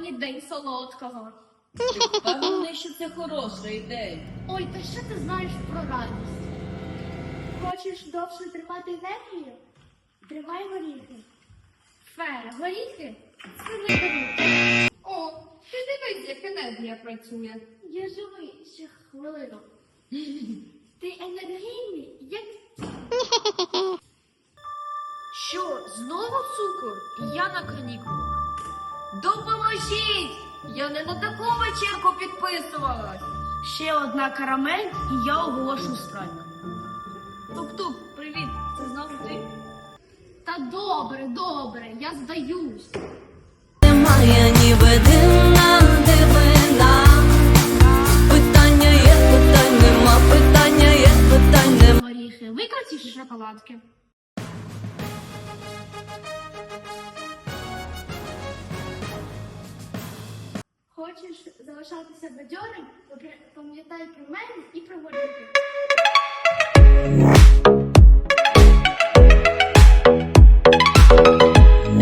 сьогодні день солодкого. Ти впевнений, що це хороша ідея? Ой, та що ти знаєш про радість? Хочеш довше тримати енергію? Тримай горіхи. Фе, горіхи? Це не горіхи. О, ти дивись, як енергія працює. Я живий ще хвилину. Ти енергійний, як... Що, знову цукор? Я на канікулах. Допоможіть! Я не на таку вечірку підписувалась. Ще одна карамель і я оголошу страйк. Тук-тук, привіт, це знову ти? Та добре, добре, я здаюсь. Немає ні видина, дивина. Питання є, питань нема, питання є, питань нема. Горіхи, викрутиш шоколадки. Хочеш залишатися бадьорим? Пам'ятай про мене і про горіхи.